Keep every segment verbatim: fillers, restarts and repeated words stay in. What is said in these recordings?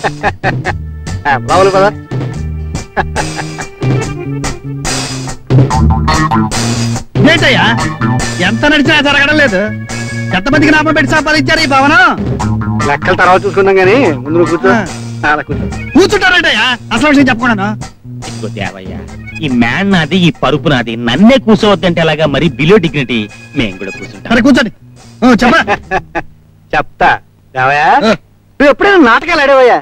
రావులు పదా. ఏంటయ్యా ఎంత నడిచినా జరగడం లేదు. ఎంతమందికి నామం పెట్టి సంపాదించారు ఈ భవనం? లెక్కల తర్వాత చూసుకున్నాం గానీ ముందు నువ్వు కూర్చో. అలా కూర్చో. కూర్చుంటారంటయ్యా అసలు విషయం చెప్పకుండా. దేవయ్య, ఈ మ్యాన్ నాది, ఈ పరుపు నాది. నన్నే కూర్చోవద్దంటే అలాగా మరి బిలో డిగ్నిటీ మేము కూడా కూర్చుంటాం. సరే కూర్చోండి. చెప్పా చెప్తా. దేవయ్యా నువ్వు ఎప్పుడైనా నాటకాలు ఆడేవయ్యా?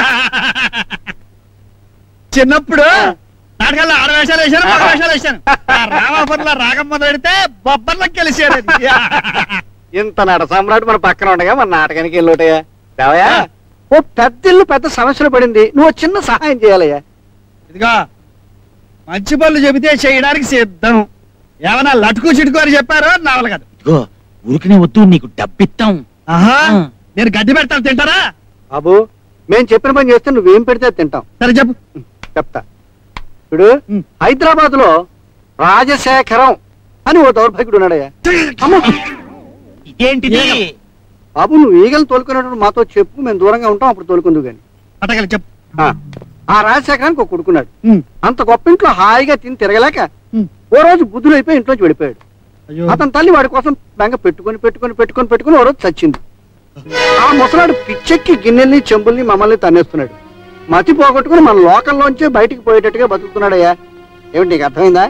చిన్నప్పుడు నాటకాల్లో ఆడ వేషాలు వేశాను, మగ వేషాలు వేశాను. రామాపురంలో రాగం మొదలెడితే బొబ్బర్లకు కలిసారు. ఇంత నట సామ్రాట్ మన పక్కన ఉండగా మన నాటకానికి వెళ్ళోటయ్యా. దేవయ్యా ఓ పెద్ద ఇల్లు పెద్ద సమస్యలు పడింది, నువ్వు చిన్న సహాయం చేయాలయ్యా. ఇదిగా మంచి పనులు చెబితే చేయడానికి సిద్ధం. ఏమన్నా లటుకు చిటుకు అని చెప్పారో నావల కాదు. ఇదిగో ఊరికనే వద్దు, నీకు డబ్బిస్తాం. ఆహా, నేను గడ్డి పెడతాను, తింటారా? బాబు మేం చెప్పిన పని చేస్తే నువ్వేం పెడితే తింటాం. సరే చెప్పు. చెప్తా. ఇప్పుడు హైదరాబాద్ లో రాజశేఖరం అని ఓ దౌర్భాగ్యుడు ఉన్నాడయ్యా. ఇదేంటిది? బాబు నువ్వు ఈగలు తోలుకునేటప్పుడు మాతో చెప్పు, మేము దూరంగా ఉంటాం, అప్పుడు తోలుకుందు గాని. అటగలి చెప్పు. ఆ రాజశేఖరానికి ఒక కొడుకున్నాడు. అంత గొప్ప ఇంట్లో హాయిగా తిని తిరగలేక ఓ రోజు బుద్ధులు అయిపోయి ఇంట్లోంచి వెళ్ళిపోయాడు. అతని తల్లి వాడి కోసం బెంగ పెట్టుకుని పెట్టుకుని పెట్టుకుని పెట్టుకుని ఓ రోజు చచ్చింది. ఆ ముసలాడు పిచ్చెక్కి గిన్నెల్ని చెంబుల్ని మమ్మల్ని తన్నేస్తున్నాడు. మతి పోగొట్టుకుని మన లోకల్లోంచే బయటికి పోయేటట్టుగా బతుకుతున్నాడయ్యా. ఏమిటి నీకు అర్థమైందా?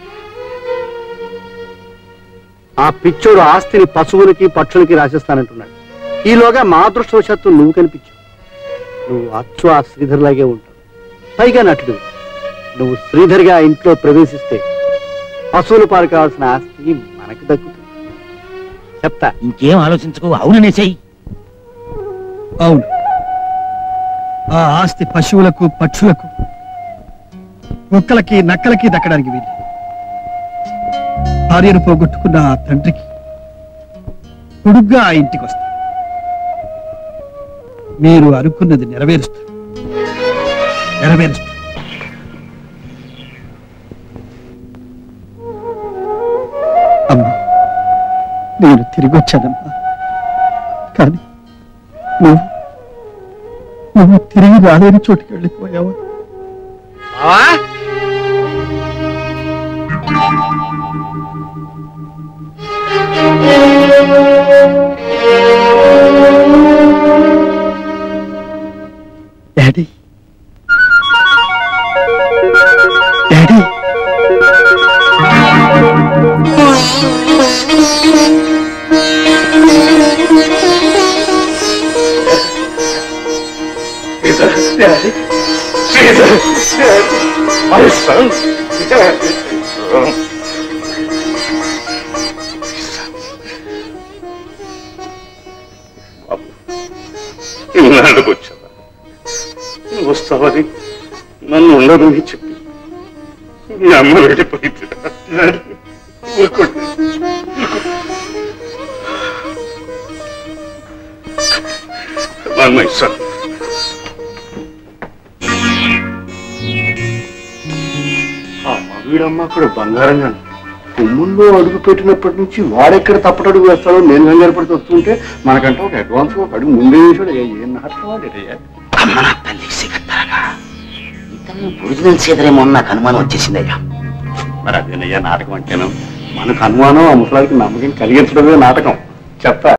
ఆ పిచ్చోడు ఆస్తిని పశువులకి పక్షులకి రాసిస్తానంటున్నాడు. ఈలోగా మా అదృష్టవశాత్తు నువ్వు కనిపించావు. నువ్వు అచ్చు ఆ శ్రీధర్ లాగే ఉంటావు, పైగా నటుడు. నువ్వు శ్రీధర్గా ఇంట్లో ప్రవేశిస్తే పశువుల పాలు కావాల్సిన ఆస్తి మనకు దక్కుతుంది. చెప్తా. ఇంకేం ఆలోచించుకో, అవుననేసాయి. అవును, ఆ ఆస్తి పశువులకు పక్షులకు కుక్కలకి నక్కలకి దక్కడానికి వీలు. భార్యను పోగొట్టుకున్న ఆ తండ్రికి కొడుగ్గా ఆ ఇంటికి వస్తా. మీరు అనుకున్నది నెరవేరుస్తారు, నెరవేరుస్తారు. అమ్మా నేను తిరిగి వచ్చానమ్మా, కానీ నువ్వు నువ్వు తిరిగి రాలేని చోటుకి వెళ్ళిపోయావా? Daddy, daddy, Daddy, Jesus, Daddy, my son, Daddy, son. బాబు ఇన్నాళ్ళకు వచ్చావా? నువ్వు వస్తావని నన్ను ఉండదని చెప్పి మీ అమ్మ వెళ్ళిపోయింది. ఊరుకోండి. మై సన్, వీడమ్మ అక్కడ బంగారంగా కొమ్ముల్లో అడుగు పెట్టినప్పటి నుంచి వాడెక్కడ తప్పటడుగు వేస్తాడో నేను కంగారు పడితే వస్తుంటే మనకంటే ఒక అడ్వాన్స్ ఒక అడుగు ముందే వేసాడు. ఏం నాటకం వాడేటయ్యా? అమ్మ నా తల్లి సిగత్తారా, ఇతను ఒరిజినల్ సీదరేమో నాకు అనుమానం వచ్చేసిందయ్యా. మరి అదేనయ్యా నాటకం అంటేను. మనకు అనుమానం ఆ ముసలాడికి నమ్మకం కలిగించడమే నాటకం. చెప్తా.